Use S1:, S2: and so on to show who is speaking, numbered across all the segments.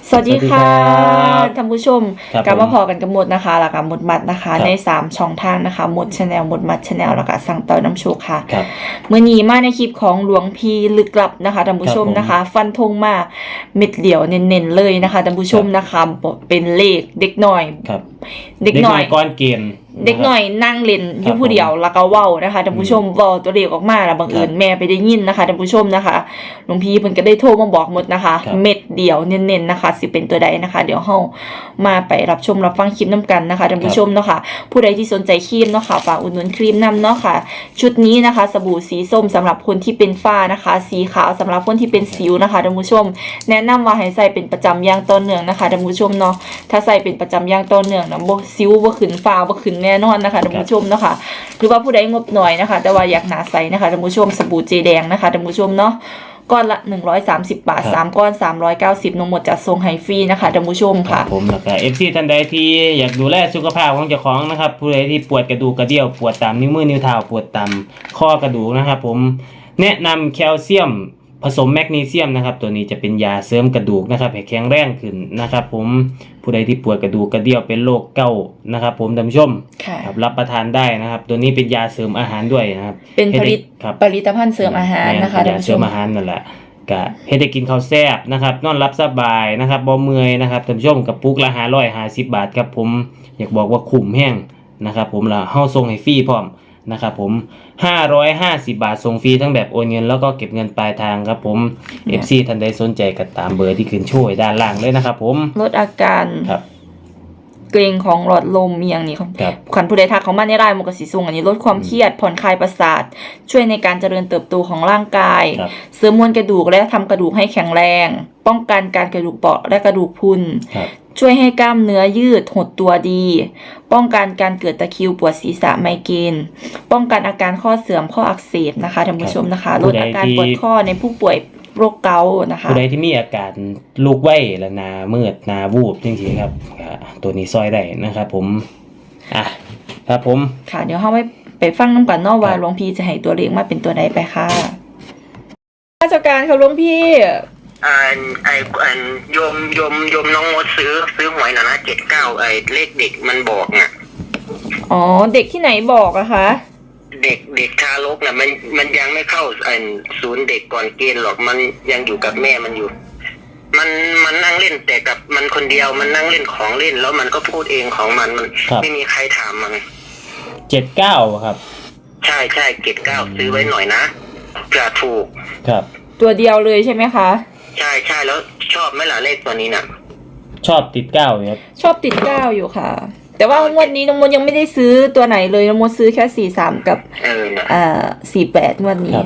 S1: สวัสดีค่ะท่านผู้ชม
S2: ครับ
S1: กลับมาพอกันกับหมดนะคะแล้วก็หมดมัดนะคะใน3ช่องทางนะคะหมดชาแนลหมดมัดชาแนลแล้วก็สั่งต่อน้ำโชคค่ะ
S2: ครับ
S1: เมื่อนี้มาในคลิปของหลวงพี่ลึกลับนะคะท่านผู้ชม
S2: ครับผม
S1: นะคะ ฟันธงมาเม็ดเดียวเน้นๆเลยนะคะท่านผู้ชมนะคะเป็นเลขเด็กหน่อย
S2: ครับ
S1: เด็กหน่อย
S2: ก้อนเกณฑ์
S1: เด็กหน่อยนั่งเล่นอยู่ผู้เดียวแล้วก็เว้านะคะท่านผู้ชมเว้าตัวเลขออกมาแล้วบังเอิญแม่ไปได้ยินนะคะท่านผู้ชมนะคะหลวงพี่เพิ่นก็ได้โทรมาบอกหมดนะคะ เม็ดเดียวเน้นๆนะคะสิเป็นตัวใดนะคะ เดี๋ยวเฮามาไปรับชมรับฟังคลิปนํกันนะคะท่านผู้ชมเนาะค่ะผู้ใดที่สนใจครีมเนาะค่ะฝากอุดหนุนครีมนํเนาะค่ะชุดนี้นะคะสบู่สีส้มสำหรับคนที่เป็นฝ้านะคะสีขาวสำหรับคนที่เป็นสิวนะคะท่านผู้ชมแนะนำว่าให้ใส่เป็นประจำอย่างต่อเนื่องนะคะท่านผู้ชมเนาะถ้าใส่เป็นประจำอย่างต่อเนื่องนะบ่สิวบ่ขึ้นฝ้าบ่ขึ้นแน่นอนนะคะท่านผู้ชมเนาะค่ะหรือว่าผู้ใดงบหน่อยนะคะแต่ว่าอยากหนาใสนะคะท่านผู้ชมสบู่เจแดงนะคะท่านผู้ชมเนาะก้อนละ130 บาท3ก้อน390นมหมดจัดส่งให้ฟรีนะคะท่านผู้ชมค่ะ
S2: ผมแล้วก็FC ท่านใดที่อยากดูแลสุขภาพของเจ้าของนะครับผู้ใดที่ปวดกระดูกกระเดี่ยวปวดตามนิ้วมือนิ้วเท้าปวดตามข้อกระดูกนะครับผมแนะนำแคลเซียมผสมแมกนีเซียมนะครับตัวนี้จะเป็นยาเสริมกระดูกนะครับให้แข็งแรงขึ้นนะครับผมผู้ใดที่ปวดกระดูกกระเดี่ยวเป็นโรคเกาต์นะครับผมท่านผู้ชม
S1: ค่ะ
S2: ครับรับประทานได้นะครับตัวนี้เป็นยาเสริมอาหารด้วยนะครับ
S1: เป็นผลิต
S2: ครับ
S1: ผลิตภัณฑ์เสริมอาหารนะคะ
S2: เป็
S1: ท่าน
S2: ยา
S1: ผู้
S2: เส
S1: ช
S2: ริ
S1: ม
S2: มอาหารนั่นแหละก็เฮ็ดให้กินข้าวแซ่บนะครับนอนรับสบายนะครับบ่เมื่อยนะครับท่านผู้ชมกับปุกละ550 บาทครับผมอยากบอกว่าคุ้มแห้งนะครับผมแล้วเฮาส่งให้ฟรีพร้อมนะครับผม550 บาทส่งฟรีทั้งแบบโอนเงินแล้วก็เก็บเงินปลายทางครับผม FC ท่านใดสนใจก็ตามเบอร์ที่ขึ้นโชว์ด้านล่างเลยนะครับผม
S1: ลดอาการ
S2: ครับ
S1: เกร็งของหลอดลมอย่างนี้ครับ
S2: ครับ
S1: ขันผู้ใดทักเขามาในไลน์มกสิสูงอันนี้ลดความเครียดผ่อนคลายประสาท ช่วยในการเจริญเติบโตของร่างกาย
S2: ครับ
S1: เสริมมวลกระดูกและทำกระดูกให้แข็งแรง ป้องกันการกระดูกเปราะและกระดูกพรุน
S2: ครับ
S1: ช่วยให้กล้ามเนื้อยืดหดตัวดี ป้องกันการเกิดตะคริวปวดศีรษะไมเกรนป้องกันอาการข้อเสื่อมข้ออักเสบนะคะท่านผู้ชมนะคะลดอาการปวดข้อในผู้ป่วยโรคเกาต์นะคะ
S2: ผู้ใดที่มีอาการลูกไว้และหนามืดหนาวูบจริงๆครับตัวนี้ซอยได้นะครับผมครับผม
S1: ค่ะเดี๋ยวเราไปฟังน้ำกันเนอกว่า
S2: ครับ
S1: หลวงพี่จะให้ตัวเลขมาเป็นตัวใดไปค่ะราชการค่ะหลวงพี่
S3: โยมน้องมดซื้อหวยหน่อยนะ79เลขเด็กมันบอกน่ะ
S1: อ๋อเด็กที่ไหนบอกอะคะ
S3: เด็กทารกน่ะมันยังไม่เข้าศูนย์เด็กก่อนเกณฑ์หรอกมันยังอยู่กับแม่มันอยู่ มันนั่งเล่นแต่กับมันคนเดียวมันนั่งเล่นของเล่นแล้วมันก็พูดเองของมัน
S2: ครับ
S3: ไม่มีใครถามมัน
S2: 79ครับ
S3: ใช่79ซื้อไว้หน่อยนะเผื่อถูก
S2: ครับ
S1: ตัวเดียวเลยใช่ไหมคะ
S3: ใช่แล้วชอบไหมล่ะเลขตัวนี้น่ะ
S2: ชอบติด9อยู่ครับ
S1: ชอบติด9อยู่ค่ะ แต่ว่างวดนี้น้องมดยังไม่ได้ซื้อตัวไหนเลยน้องมดซื้อแค่43กับ
S3: น่ะ
S1: 48งวดนี้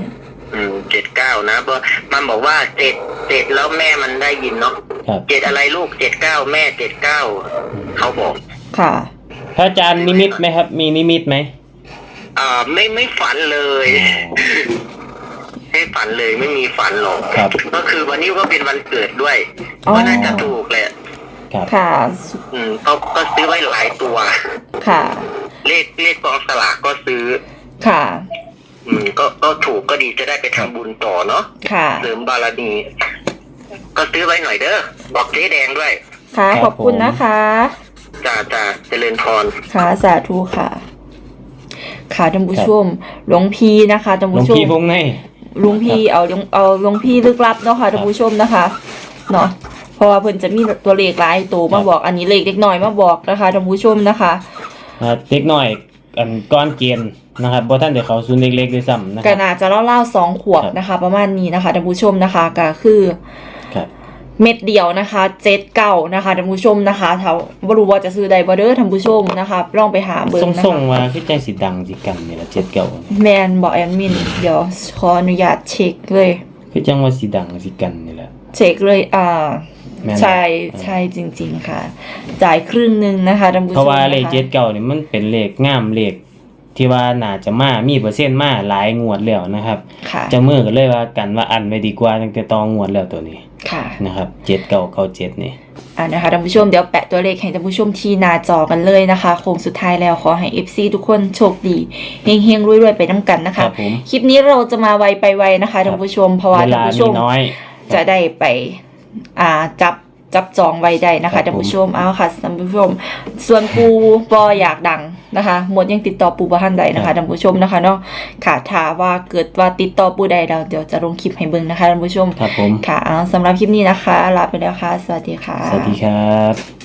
S3: 79นะเพราะมันบอกว่า7แล้วแม่มันได้ยินเนาะ
S2: ครับ
S3: 7อะไรลูก79แม่79เขาบอก
S1: ค่ะ
S2: พระอาจารย์นิมิตไหมครับ มีนิมิตไหม
S3: ไม่ฝันเลยไม่ฝันเลยไม่มีฝันหรอก
S2: ครับ
S3: ก็คือวันนี้ก็เป็นวันเกิดด้วย
S1: อ๋อ
S3: ก็น่าจะถูกแหละ
S2: ครับ
S1: ค่ะ
S3: ก็ซื้อไว้หลายตัว
S1: ค่ะ
S3: เลขกองสลากก็ซื้อ
S1: ค่ะ
S3: ก็ถูกก็ดีจะได้ไปทำบุญต่อเนาะ
S1: ค่ะ
S3: เสริมบารมีก็ซื้อไว้หน่อยเด้อบอกเจ๊แดงด้วย
S1: ค่ะขอบคุณนะคะ
S3: จ่าเจริญพร
S1: ค่ะสาธุค่ะ ค่ะท่านผู้ชมหลวงพี่นะคะท่าน
S2: หลว
S1: ผู้
S2: ง
S1: ชม
S2: พี่วงใน
S1: หลวงพี่เอาหลวงพี่ลึกลับเนาะค่ะท่านผู้ชมนะคะเนาะเพราะว่าเพิ่นจะมีตัวเลขหลายตัวมาบอกอันนี้เลขเล็กน้อยมาบอกนะคะท่านผู้ชมนะคะ
S2: เด็กน้อยอันก้อนเกณฑ์นะครับบ่ท่านเดี๋ยวเขาซูนเล็กๆด้วยซ้ำนะค
S1: ก็
S2: รับ
S1: น่าจะเล่าๆ2 ขวบนะคะ ประมาณนี้นะคะท่านผู้ชมนะคะก็คือ
S2: ครับ
S1: เม็ดเดียวนะคะ79นะคะท่านผู้ชมนะคะถ้าบ่รู้ว่าจะซื้อใดบ่เด้อท่านผู้ชมนะคะลองไปหาเบิ่งนะ
S2: ส่ง
S1: คะ
S2: ๆมาคือจังสิดังสิกันนี่ล่ะ79
S1: แมนบอกแอดมินเดี๋ยวขออนุญาตเช็คเลย
S2: คือจังว่าสิดังสิกันนี่แหละ
S1: เช็คเลย
S2: แม่นบ่
S1: ใช่จริงๆค่ะ จ่ายครึ่งหนึงนะคะท่านผู้ชม
S2: เพราะว่าเลข
S1: นะคะ
S2: 79นี่มันเป็นเลขงามเลขที่ว่าน่าจะมีเปอร์เซ็นต์มาหลายงวดแล้วนะครับ
S1: ค่ะ
S2: จะมือก็เลยว่ากันว่าอันไว้ดีกว่าตั้งแต่ตองวดแล้วตัวนี้
S1: ค่ะ
S2: นะครับ7997นี่
S1: นะคะท่านผู้ชมเดี๋ยวแปะตัวเลขให้ท่านผู้ชมที่หน้าจอกันเลยนะคะโค้งสุดท้ายแล้วขอให้ FC ทุกคนโชคดีเฮงๆรวยๆไปน้ำกันนะ
S2: ครั
S1: คะ
S2: บผม
S1: คลิปนี้เราจะมาไวไปไวนะคะท่านผู้ชมเพราะว่า
S2: เว
S1: ท่าน
S2: ลา
S1: ผู้ช
S2: มี
S1: ม
S2: น้อย
S1: จะได้ไปจับจับจองไว้ได้นะ
S2: ครั
S1: คะ
S2: บ
S1: ท่านผู้ชมเอาค่ะท่านผู้ชมส่วนปูบออยากดังนะคะหมดยังติดต่อปูบ่ทันใดนะคะท่านผู้ชมนะคะเนาะค่ะถ้าว่าเกิดว่าติดต่อปูใดแล้วเดี๋ยวจะลงคลิปให้เบิ่งนะคะท่านผู้ชม
S2: ครับผม
S1: ค่ะเอาสำหรับคลิปนี้นะคะลาไปแล้วค่ะสวัสดีค่ะ
S2: สวัสดีครับ